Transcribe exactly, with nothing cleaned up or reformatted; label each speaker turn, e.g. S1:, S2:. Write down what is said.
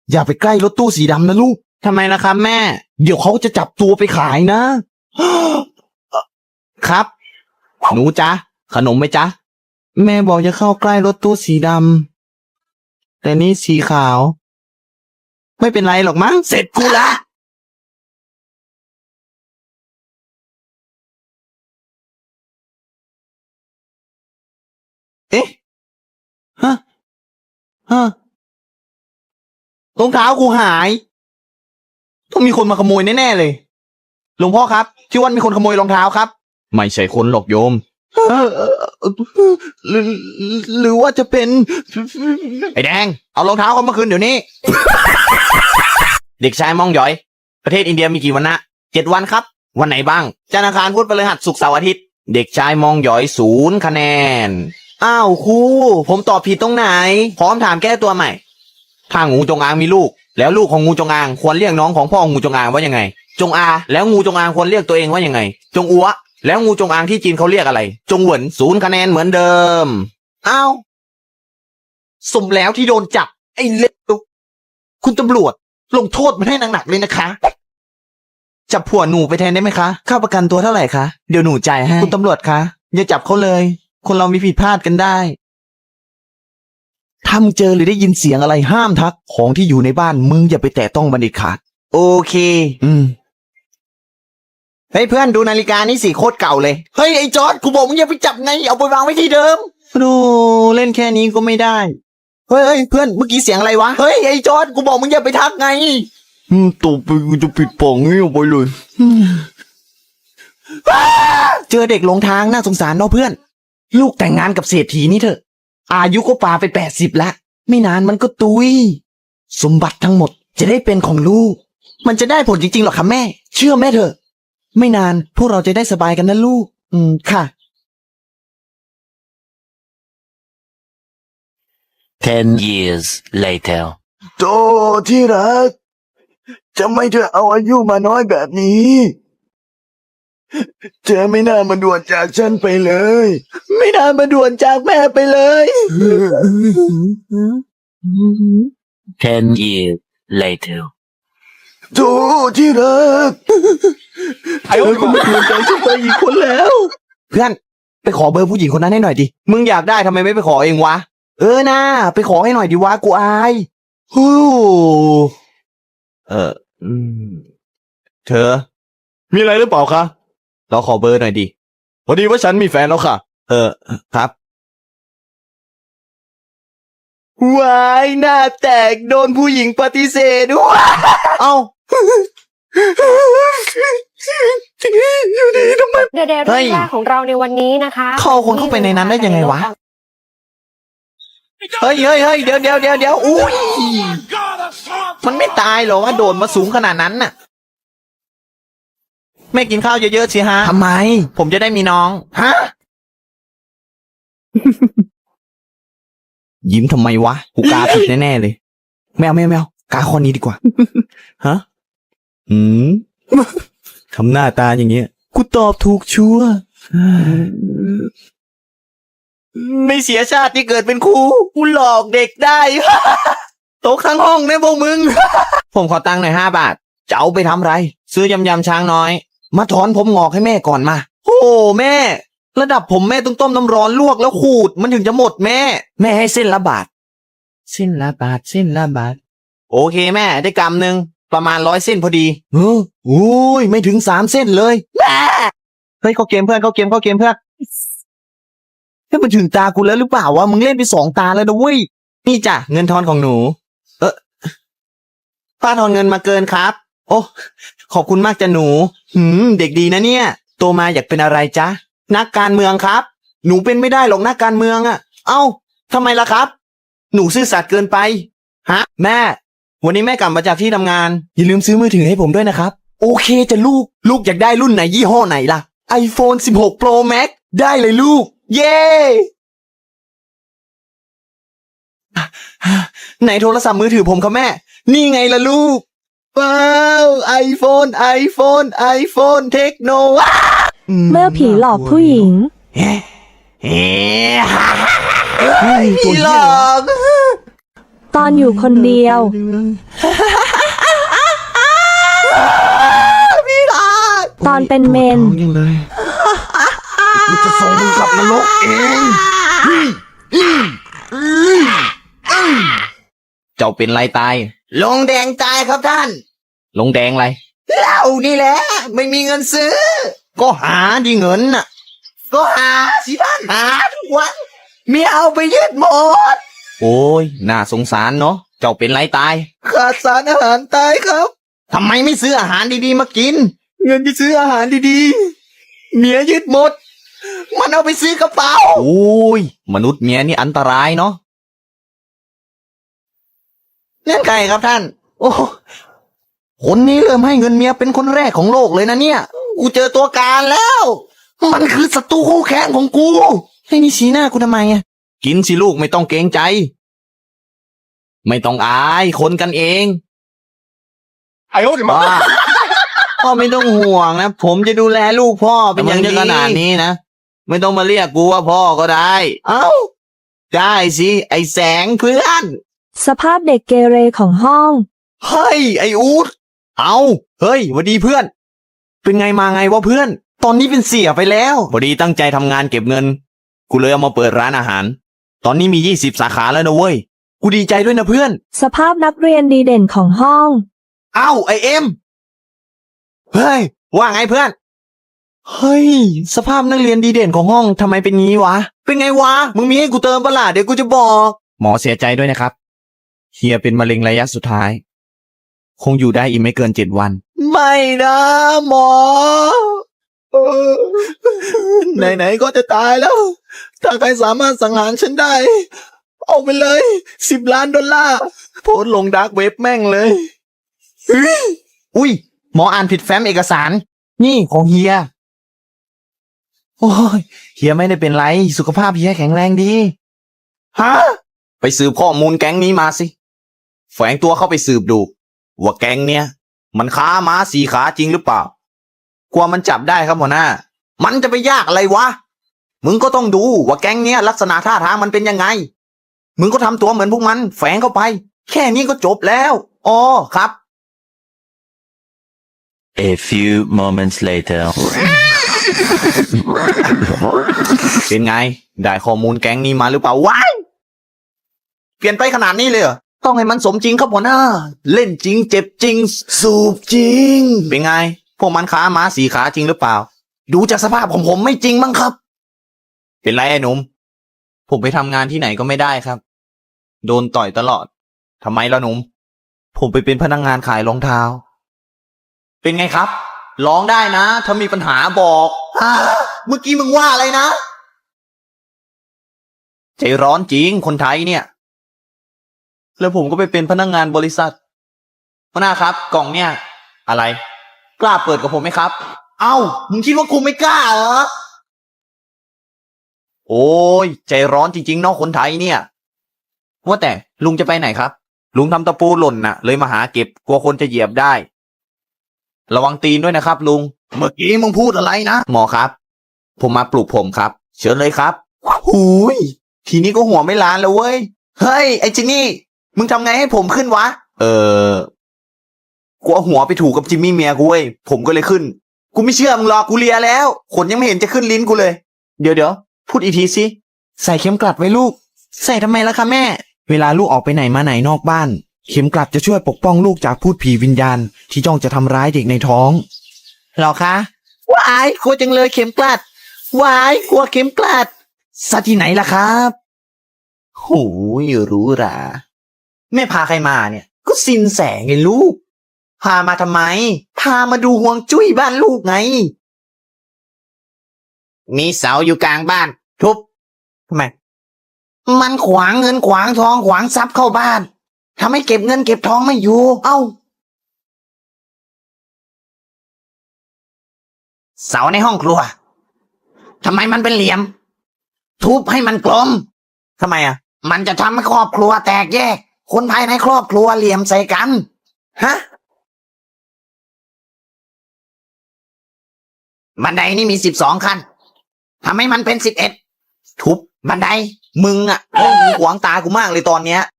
S1: อย่าไปใกล้รถตู้สีดำนะลูกทำไมนะครับแม่เดี๋ยวเขาจะจับตัวไปขายนะ ครับหนูจ๊ะขนมไหมจ๊ะแม่บอกจะเข้าใกล้รถตู้สีดำแต่นี่สีขาวไม่เป็นไรหรอกมั้งเสร็จกูละเอ๊ะฮะฮะรองเท้ากูหายต้องมีคนมาขโมยแน่ๆเลยหลวงพ่อครับที่วันมีคนขโมยรองเท้าครับไม่ใช่คนหรอกโยมเออเออหรือหรือว่าจะเป็นไอ้แดงเอารองเท้าเขามาคืนเดี๋ยวนี้ เด็กชายมองหยอยประเทศอินเดียมีกี่วันนะเจ็ดวันครับวันไหนบ้างจันทร์อังคารพุธพฤหัสศุกร์เสาร์อาทิตย์เด็กชายมองหยอยศูนย์คะแนนอ้าวครูผมตอบผิดตรงไหนพร้อมถามแก้ตัวใหม่ถ้างูจงอางมีลูกแล้วลูกของงูจงอางควรเรียกน้องของพ่องูจงอางว่ายังไงจงอาแล้วงูจงอางควรเรียกตัวเองว่ายังไงจงอัวแล้วงูจงอางที่จีนเขาเรียกอะไรจงเหวินศูนย์คะแนนเหมือนเดิมอ้าวสมแล้วที่โดนจับไอ้เล็กคุณตำรวจลงโทษมันให้หนักๆเลยนะคะจับผัวหนูไปแทนได้ไหมคะค่าประกันตัวเท่าไหร่คะเดี๋ยวหนูจ่ายให้คุณตำรวจคะอย่าจับเขาเลยคนเรามีผิดพลาดกันได้ถ้ามึงเจอหรือได้ยินเสียงอะไรห้ามทักของที่อยู่ในบ้านมึงอย่าไปแตะต้องมันเด็ดขาดโอเคอืมเฮ้ยเพื่อนดูนาฬิกานี่สีโคตรเก่าเลยเฮ้ยไอ้จอร์ดกูบอกมึงอย่าไปจับไงเอาไปวางไว้ที่เดิมดูเล่นแค่นี้ก็ไม่ได้เฮ้ยเฮ้ยเพื่อนเมื่อกี้เสียงอะไรวะเฮ้ยไอ้จอร์ดกูบอกมึงอย่าไปทักไงอืมตัวไปกูจะปิดป่องงี้ออกไปเลยเจอเด็กหลงทางน่าสงสารเนาะเพื่อนลูกแต่งงานกับเศรษฐีนี่เถอะอายุก็ปาไปแปดสิบละไม่นานมันก็ตุยสมบัติทั้งหมดจะได้เป็นของลูกมันจะได้ผลจริงๆหรอคะแม่เชื่อแม่เถอะไม่นานพวกเราจะได้สบายกันนะลูกอืมค่ะ
S2: Ten years later.
S1: โตที่รักจะไม่เธอเอาอายุมาน้อยแบบนี้เธอไม่น่ามาด่วนจากฉันไปเลยไม่น่ามาด่วนจากแม่ไปเลย
S2: Ten years later.
S1: โตที่รักเธอก็มาด่วนจากฉันไปอีกคนแล้วเพื่อนไปขอเบอร์ผู้หญิงคนนั้นให้หน่อยดิมึงอยากได้ทำไมไม่ไปขอเองวะเออนะไปขอให้หน่อยดิวะกูอายฮู้เอออืมเธอมีอะไรหรือเปล่าคะเราขอเบอร์หน่อยดิพอดีว่าฉันมีแฟนแล้วค่ะเออครับวายหน้าแตกโดนผู้หญิงปฏิเสธว้าเอ้าอยู่ดีทำไม
S3: เดเดเรื่องแรกของเราในวันนี้นะคะ
S1: เข้าคนเข้าไปในนั้นได้ยังไงวะเฮ้ยเฮ้ยเฮ้ยเดี๋ยวเดี๋ยวเดี๋ยวเดี๋ยวอุ้ยมันไม่ตายหรอว่าโดนมาสูงขนาดนั้นน่ะแม่กินข้าวเยอะๆสิฮะทำไมผมจะได้มีน้องฮะ ยิ้มทำไมวะกูกาผิดแน่ๆเลยแมวแมวแมวกาข้อนี้ดีกว่า ฮะอืม ทำหน้าตาอย่างเงี้ยกูตอบถูกชัวร์ไม่เสียชาติที่เกิดเป็นครูกูหลอกเด็กได้ ตกทั้งห้องเนี่ยพวกมึง ผมขอตังค์หน่อยห้าบาทจะเอาไปทำไรซื้อยำยำช้างน้อยมาถอนผมงอกให้แม่ก่อนมาโอ้แม่ระดับผมแม่ต้องต้มน้ำร้อนลวกแล้วขูดมันถึงจะหมดแม่แม่ให้เส้นละบาทเส้นละบาทเส้นละบาทโอเคแม่ได้กำหนึ่งประมาณร้อยเส้นพอดีเออโอ้ยไม่ถึงสามเส้นเลยแม่เฮ้ยเข้าเกมเพื่อนเข้าเกมเข้าเกมเพื่อนเฮ้ยมันถึงตากูแล้วหรือเปล่าวะมึงเล่นไปสองตาแล้วนะเว้ยนี่จ้ะเงินทอนของหนูเออป้าทอนเงินมาเกินครับโอ้ขอบคุณมากจ้ะหนูหืมเด็กดีนะเนี่ยโตมาอยากเป็นอะไรจ๊ะนักการเมืองครับหนูเป็นไม่ได้หรอกนักการเมืองอ่ะเอ้าทำไมล่ะครับหนูซื่อสัตย์เกินไปฮะแม่วันนี้แม่กลับมาจากที่ทำงานอย่าลืมซื้อมือถือให้ผมด้วยนะครับโอเคจ้ะลูกลูกอยากได้รุ่นไหนยี่ห้อไหนล่ะ iPhone สิบหก Pro Max ได้เลยลูกเย้ไหนโทรศัพท์มือถือผมครับแม่นี่ไงล่ะลูกว้าวไอโฟนไอโฟนไอโฟนเทคโน
S4: เมื่อผีหลอกผู้หญิง
S1: เฮ้เฮ้ผีหลอก
S4: ตอนอยู่คนเดียว
S1: พี่ลา
S4: ตอนเป็นเมน
S1: ยังเลยกูจะส่งมึงกลับนรกเองเจ้าเป็นไรตาย
S5: ลงแดงตายครับท่าน
S1: ลงแดงไร
S5: เหล้านี่แหละ ไม่มีเงินซื้อ
S1: ก็หาดิเงินน่ะ
S5: ก็หาสิท่านหาทุกวันเมียเอาไปยึดหมด
S1: โอ้ยน่าสงสารเนาะเจ้าเป็นไรตาย
S5: ขาดสารอาหารตายครับ
S1: ทำไมไม่ซื้ออาหารดีๆมากิน
S5: เงินที่ซื้ออาหารดีๆ เมียยึดหมด มันเอาไปซื้อกระเป๋า
S1: โอ้ยมนุษย์เมียนี่อันตรายเนาะ
S5: เล่นไก่ครับท่าน
S1: โอ้คนนี้เริ่มให้เงินเมียเป็นคนแรกของโลกเลยนะเนี่ย
S5: กูเจอตัวการแล้ว มันคือศัตรูคู่แข่งของกู
S1: ให้นี่ชี้หน้ากูทำไมอ่ะกินสิลูกไม่ต้องเกรงใจ ไม่ต้องอายคนกันเองพ่อพ่อไม่ต้องห่วงนะผมจะดูแลลูกพ่อเป็นอย่างดีขนาดนี้นะไม่ต้องมาเรียกกูว่าพ่อก็ได้
S5: เอ้า
S1: ได้สิไอแสงเพื่อน
S4: สภาพเด็กเกเรของห้อง
S1: เฮ้ยไออูดเอาเฮ้ยหวัดดีเพื่อน เป็นไงมาไงวะเพื่อน ตอนนี้เป็นเสียไปแล้วพอดีตั้งใจทำงานเก็บเงิน กูเลยเอามาเปิดร้านอาหาร ตอนนี้มียี่สิบสาขาแล้วนะเว้ยกูดีใจด้วยนะเพื่อน
S4: สภาพนักเรียนดีเด่นของห้อง
S1: เอ้าไอเอ็มเฮ้ยว่าไงเพื่อนเฮ้ยสภาพนักเรียนดีเด่นของห้องทำไมเป็นงี้วะเป็นไงวะมึงมีให้กูเติมปะล่ะเดี๋ยวกูจะบอกหมอเสียใจด้วยนะครับเฮียเป็นมะเร็งระยะสุดท้าย คงอยู่ได้อีกไม่เกินเจ็ดวัน
S5: ไม่นะหมอเออไหนๆก็จะตายแล้ว ถ้าใครสามารถสังหารฉันได้ เอาไปเลยสิบล้านดอลลาร์โพสต์ลงดาร์กเว็บแม่งเลย
S1: อุ้ยหมออ่านผิดแฟ้มเอกสาร นี่ของเฮียโอ้ยเฮียไม่ได้เป็นไรสุขภาพเฮียแข็งแรงดีฮะไปสืบข้อมูลแก๊งนี้มาสิแฝงตัวเข้าไปสืบดูว่าแก๊งเนี้ยมันค้าม้าสีขาจริงหรือเปล่ากลัวมันจับได้ครับหัวหน้า มันจะไปยากอะไรวะมึงก็ต้องดูว่าแก๊งเนี้ยลักษณะท่าทางมันเป็นยังไงมึงก็ทำตัวเหมือนพวกมันแฝงเข้าไป แค่นี้ก็จบแล้วอ๋อครับ
S2: A few moments later.
S1: เป็นไง ได้ข้อมูลแก๊งนี้มาหรือเปล่าว้ายเปลี่ยนไปขนาดนี้เลยเหรอต้องให้มันสมจริงครับหัวหน้า เล่นจริงเจ็บจริง สูบจริง เป็นไง พวกมันค้าม้าสีขาจริงหรือเปล่า ดูจากสภาพของผมไม่จริงมั้งครับ เป็นไรไอ้หนุ่มผมไปทำงานที่ไหนก็ไม่ได้ครับ โดนต่อยตลอดทำไมล่ะหนุ่มผมไปเป็นพนักงานขายรองเท้า เป็นไงครับร้องได้นะ ถ้ามีปัญหาบอกอ่าเมื่อกี้มึงว่าอะไรนะ ใจร้อนจริงคนไทยเนี่ย แล้วผมก็ไปเป็นพนักงงานบริษัทหัวหน้าครับ กล่องเนี่ย อะไร กล้าเปิดกับผมไหมครับ เอ้า มึงคิดว่ากูไม่กล้าเหรอ โอ้ย ใจร้อนจริงๆเนอกคนไทยเนี่ย ว่าแต่ลุงจะไปไหนครับ ลุงทำตะปูหล่นน่ะ เลยมาหาเก็บกลัวคนจะเหยียบได้ ระวังตีนด้วยนะครับลุง เมื่อกี้มึงพูดอะไรนะ หมอครับ ผมมาปลูกผมครับ เชิญเลยครับหูยทีนี้ก็หัวไม่ล้านแล้วเว้ย เฮ้ยไอ้จินนี่ มึงทำไงให้ผมขึ้นวะ เออกูเอาหัวไปถูกกับจิมมี่เมียกูเว้ย ผมก็เลยขึ้น กูไม่เชื่อมึงหรอกกูเลียแล้ว ขนยังไม่เห็นจะขึ้นลิ้นกูเลย เดี๋ยวเดี๋ยวพูดอีกทีสิ ใส่เข็มกลัดไว้ลูก ใส่ทำไมล่ะคะแม่ เวลาลูกออกไปไหนมาไหนนอกบ้าน เข็มกลัดจะช่วยปกป้องลูกจากพูดผีวิญญาณ ที่จ้องจะทำร้ายเด็กในท้องหรอคะว้ายกลัวจังเลยเข็มกลัดว้ายกลัวเข็มกลัดซะที่ไหนล่ะครับโหยรู้หราแม่พาใครมาเนี่ย ก็สินแสไงลูก พามาทำไม พามาดูห่วงจุ้ยบ้านลูกไง มีเสาอยู่กลางบ้าน ทุบทำไม มันขวางเงินขวางทองขวางทรัพย์เข้าบ้านทำให้เก็บเงินเก็บทองไม่อยู่ เอ้า เสาในห้องครัวทำไมมันเป็นเหลี่ยม ทุบให้มันกลมทำไมอ่ะ มันจะทำให้ครอบครัวแตกแยก คนภายในครอบครัวเหลี่ยมใส่กัน ฮะ บันไดนี่มีสิบสองขั้นทำให้มันเป็นสิบเอ็ดทุบบันได มึงอ่ะเฮ้ยมึงขวางตากูมากเลยตอนเนี้ย